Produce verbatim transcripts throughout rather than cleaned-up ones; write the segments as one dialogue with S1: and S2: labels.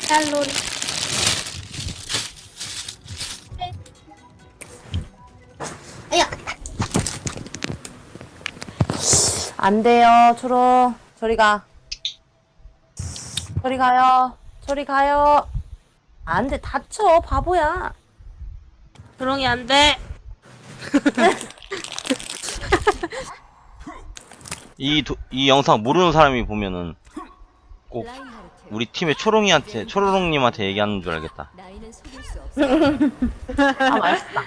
S1: 짤로리. 아야. 안 돼요, 초록. 저리 가. 저리 가요. 저리 가요. 안 돼, 다쳐, 바보야.
S2: 조롱이 안 돼.
S3: 이, 도, 이 영상 모르는 사람이 보면은 꼭 우리 팀의 초롱이한테, 초롱님한테 얘기하는 줄 알겠다.
S4: 나이는 속일 수 없어.
S1: 아, 맛있다.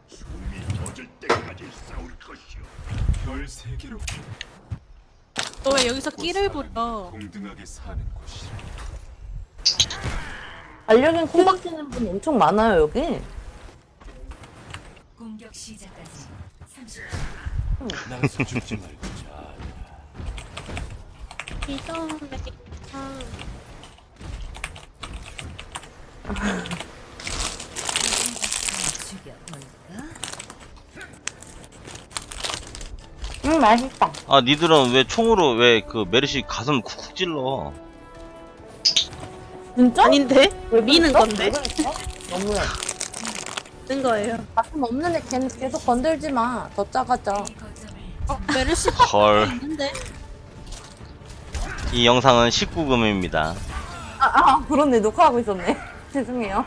S2: 너 왜 여기서 끼를 부려?
S5: 공등하게 사는 곳이라.
S1: 반려견 콩박 찌는 분 엄청 많아요, 여기.
S4: 공격 시작까지 삼십
S5: 날 서줄지 말고 자.
S2: 이전에
S4: 죽여볼까?
S1: 음, 맛있다.
S3: 아, 니들은 왜 총으로 왜 그 메르시 가슴 쿡쿡 찔러?
S1: 진짜?
S2: 아닌데?
S1: 왜
S2: 미는
S1: 그랬어?
S2: 건데?
S1: 왜 그랬어? 너무해.
S2: 는 거예요.
S1: 가슴 없는 애 걔는 계속 건들지 마. 더 작아져.
S2: 어, 메르시
S3: 헐.
S2: 있는데?
S3: 이 영상은 십구 금입니다.
S1: 아, 아, 그렇네. 녹화하고 있었네. 죄송해요.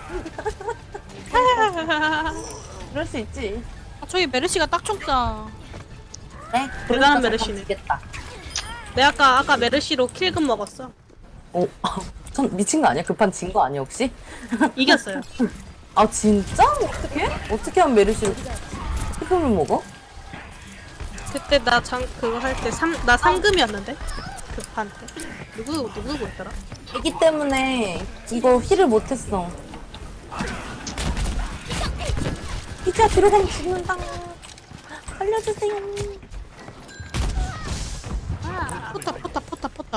S1: 그럴 수 있지.
S2: 아, 저기 메르시가 딱 쳤다.
S1: 네?
S2: 대단한 메르시네.
S1: 겠다
S2: 내가 아까 아까 메르시로 킬금 먹었어.
S1: 오, 전 미친 거 아니야? 급한 진 거 아니야 혹시?
S2: 이겼어요.
S1: 아 진짜? 어떻게? 어떻게 하면 메르시를 피금을 먹어?
S2: 그때 나 장 그거 할 때 삼 나 삼금이었는데 급한 때 누구 누구 있더라?
S1: 애기 때문에 이거 힐을 못했어. 피자 들어가면 죽는다. 살려주세요.
S2: 포탑 포탑 포탑 포탑.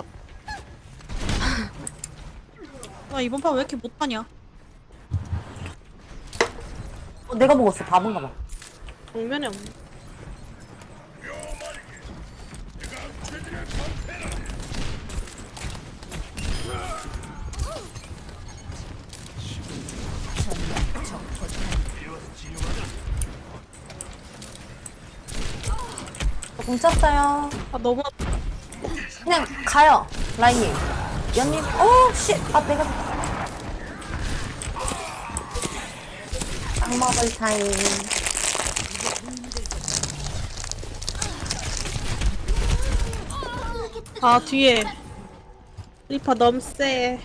S2: 나 이번 판 왜 이렇게 못하냐?
S1: 어, 내가 먹었어. 바본가 봐.
S2: 정면에 없네.
S1: 뭉쳤어요.
S2: 아 너무
S1: 그냥 가요. 라인님. 연님. 오, 씨. 아, 내가. 딱 먹을 타임.
S2: 아 뒤에 리퍼 너무 세.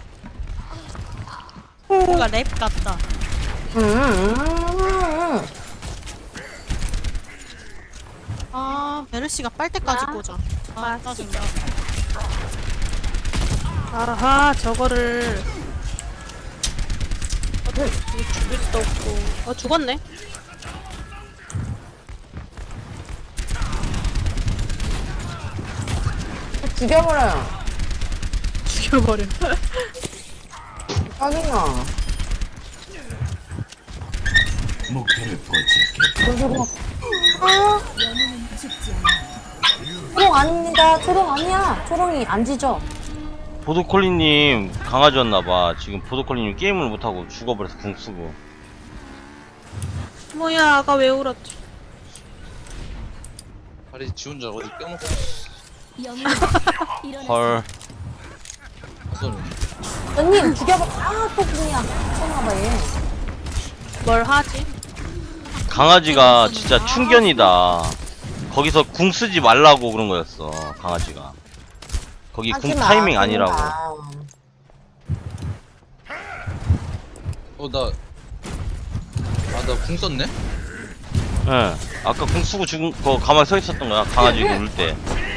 S2: 뭔가 랩 같다.
S1: 음, 음, 음.
S2: 아 메르시가 빨대까지 꽂아. 아 짜증나. 아하 저거를 어, 죽일 수도 없고. 어 죽었네.
S1: 죽여버려요.
S2: 죽여버려.
S1: 짜증나.
S5: 목표를 포착해.
S1: 조롱. 아. 초롱 아닙니다. 초롱 아니야. 초롱이 안 지죠?
S3: 보도콜리님 강아지였나봐. 지금 보도콜리님 게임을 못하고 죽어버려서 궁 쓰고.
S2: 뭐야 아까 왜 울었지?
S6: 다리 지 혼자 어디 껴놓고
S4: 영웅 일어나.
S3: 헐.
S6: 있어.
S1: 연님 죽여버. 아, 또 궁이야. 미쳤나봐 얘.
S2: 뭘 하지?
S3: 강아지가 진짜 충견이다. 거기서 궁 쓰지 말라고 그런 거였어, 강아지가. 거기 궁
S1: 하지 마,
S3: 타이밍
S1: 하지
S3: 아니라고.
S1: 마.
S6: 어, 나. 아, 나 궁 썼네?
S3: 예. 아까 궁 쓰고 죽은 거 가만히 서 있었던 거야, 강아지 울 때.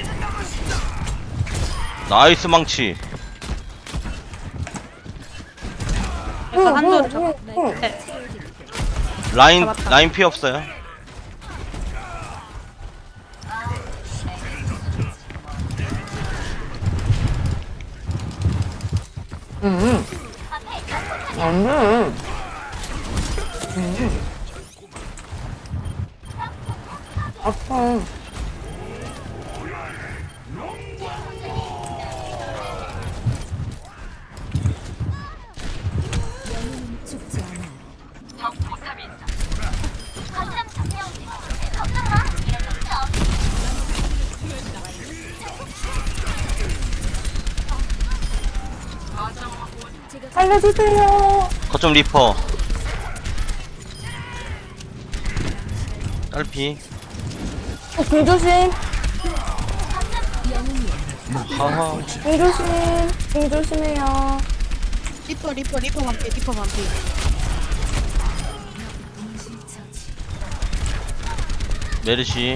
S3: 나이스 망치.
S2: 일단 한도를
S1: 응,
S2: 잡아.
S1: 응, 응.
S2: 네.
S3: 라인,
S2: 잡았다.
S3: 라인 피 없어요.
S1: 응. 응. 응. 아파. 살려주세요.
S3: 거점 리퍼. 딸피.
S1: 어, 공 조심.
S3: 하하.
S1: 공 조심. 공 조심해요.
S2: 리퍼 리퍼 리퍼 반피 리퍼 반피.
S3: 메르시.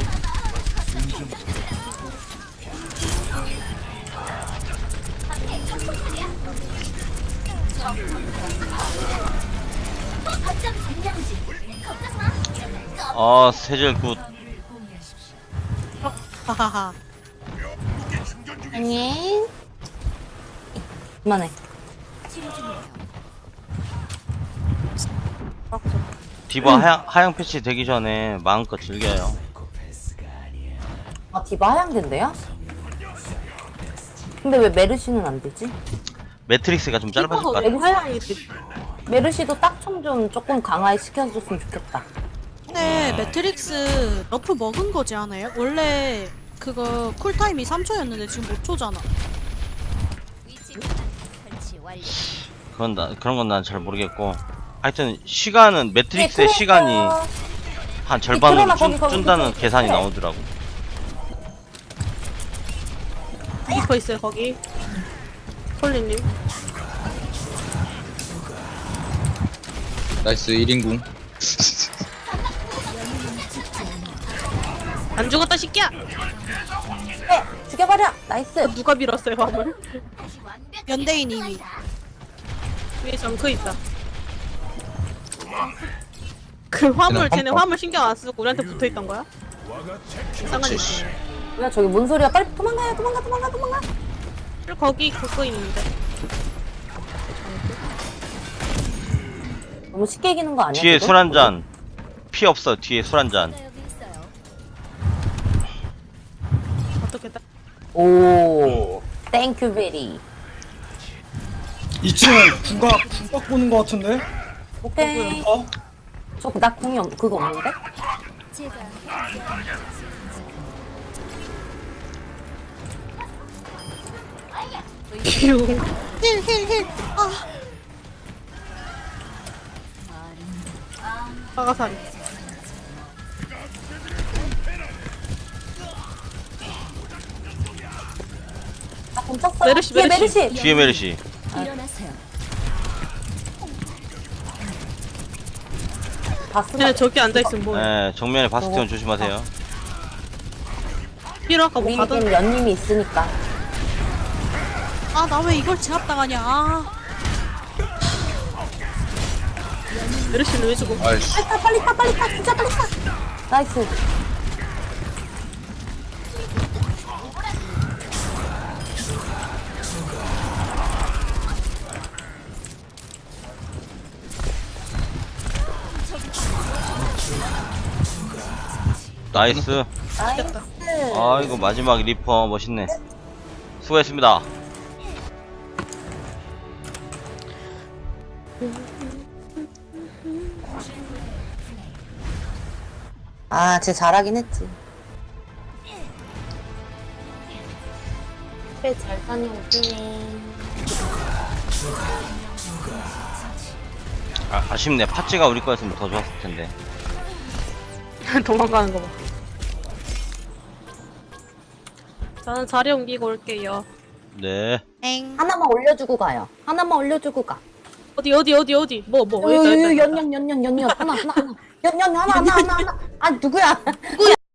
S3: 아, 세젤 굿.
S2: 하하하.
S1: 아니. 그만해.
S3: 디바 하향, 하향 패치 되기 전에 마음껏 즐겨요.
S1: 아, 디바 하향된대요? 근데 왜 메르시는 안 되지?
S3: 매트릭스가 좀 짧아질 것 같아.
S2: 리퍼가 하향이 돼.
S1: 메르시도 딱총 좀 조금 강화시켜줬으면 좋겠다.
S2: 근데 매트릭스 너프 먹은 거지 않아요? 원래 그거 쿨타임이 삼 초였는데 지금 오 초잖아.
S3: 그건 나, 그런 건 난 잘 모르겠고. 하여튼 시간은 매트릭스의
S1: 네,
S3: 시간이
S1: 그러니까요.
S3: 한 절반으로
S1: 그러나
S3: 준,
S1: 거기, 거기,
S3: 준다는
S1: 거기.
S3: 계산이
S1: 그래.
S3: 나오더라고.
S2: 리퍼 있어요 거기. 콜리님.
S6: 나이스 일 인궁.
S2: 안 죽었다 새끼야.
S1: 네, 죽여버려. 나이스.
S2: 누가 밀었어요 화물? 연대인 이미. 위에 정크 있다. 그 화물
S6: 그냥
S2: 쟤네
S6: 펌-
S2: 화물 신경 안 쓰고 우리한테 붙어 있던 거야? 상관이
S6: 그렇지.
S2: 있어.
S1: 뭐야, 저기 뭔 소리야. 빨리 도망가요. 도망가, 도망가, 도망가.
S2: 거기 그거 있는데.
S1: 너무 쉽게 이기는 거 아니야?
S3: 뒤에
S1: 지금?
S3: 술 한 잔. 피 없어, 뒤에 술 한 잔.
S4: 여기 있어요.
S2: 어떻게 다
S1: 오. 땡큐 베리.
S7: 이 층은 국각 국각 보는 거 같은데?
S1: 오케이.
S7: 어?
S1: 저나 궁이 없, 그거 없는데?
S4: 제가
S2: 힐힐힐 아 아가사리.
S1: 나궁 쳤어.
S2: 메르시,
S1: 뒤에
S2: 메르시.
S1: 메르시.
S3: 뒤에 메르시.
S4: 일어나세요.
S1: 바스.
S2: 쟤네 저기 앉아있으면 뭐해.
S3: 네, 정면에 바스티온 조심하세요.
S2: 삐로 아까 뭐 가던.
S1: 우리에겐 연님이 있으니까.
S2: 아 나 왜 이걸 제압당하냐. 아. 메르시는 왜 죽어?
S6: 아이씨.
S1: 빨리 타, 빨리 타, 빨리 타. 진짜 빨리 타. 나이스.
S3: 나이스.
S1: 나이스.
S3: 아이고, 마지막 리퍼 멋있네. 수고했습니다.
S1: 아, 쟤 잘하긴 했지. 그래, 잘 다녀오네.
S3: 아, 아쉽네. 파츠가 우리 거였으면 더 좋았을 텐데.
S2: 도망가는 거 봐. 저는 자리 옮기고 올게요.
S3: 네.
S2: 엥.
S1: 하나만 올려주고 가요. 하나만 올려주고 가.
S2: 어디 어디 어디 어디 뭐 뭐.
S1: 어, 연연 연연 연연 연연 하나 하나 하나 연연 하나 하나 하나 하나. 아 누구야? 누구야?